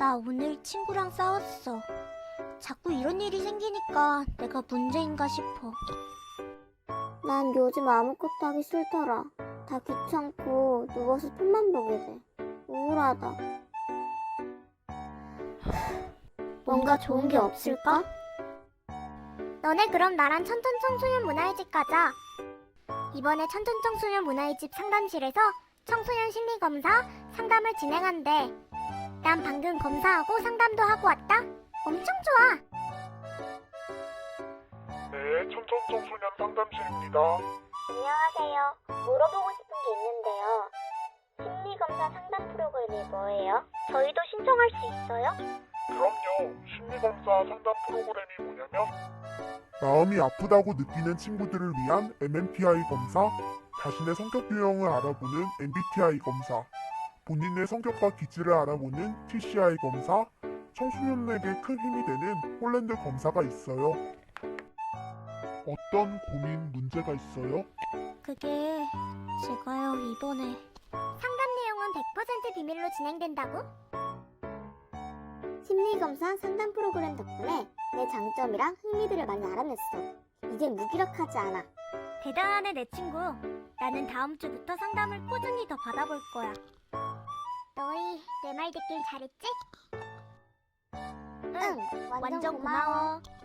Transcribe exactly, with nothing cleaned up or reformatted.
나 오늘 친구랑 싸웠어. 자꾸 이런 일이 생기니까 내가 문제인가 싶어. 난 요즘 아무것도 하기 싫더라. 다 귀찮고 누워서 폰만 보게 돼. 우울하다. 뭔가 좋은 게 없을까? 너네 그럼 나랑 천천청소년 문화의 집 가자. 이번에 천천청소년 문화의 집 상담실에서 청소년 심리검사 상담을 진행한대. 난 방금 검사하고 상담도 하고 왔다. 엄청 좋아. 네, 천천청소년 상담실입니다. 안녕하세요. 물어보고 싶은 게 있는데요. 심리검사 상담 프로그램이 뭐예요? 저희도 신청할 수 있어요? 그럼요. 심리검사 상담 프로그램이 뭐냐면 마음이 아프다고 느끼는 친구들을 위한 엠엠피아이 검사, 자신의 성격 유형을 알아보는 엠비티아이 검사, 본인의 성격과 기질을 알아보는 티씨아이 검사, 청소년에게 큰 힘이 되는 홀랜드 검사가 있어요. 어떤 고민, 문제가 있어요? 그게 제가요 이번에 상담 내용은 백 퍼센트 비밀로 진행된다고? 심리검사 상담 프로그램 덕분에 내 장점이랑 흥미들을 많이 알아냈어. 이제 무기력하지 않아. 대단하네 내 친구. 나는 다음 주부터 상담을 꾸준히 더 받아볼 거야. 너희 내 말 듣길 잘했지? 응, 완전, 완전 고마워. 고마워.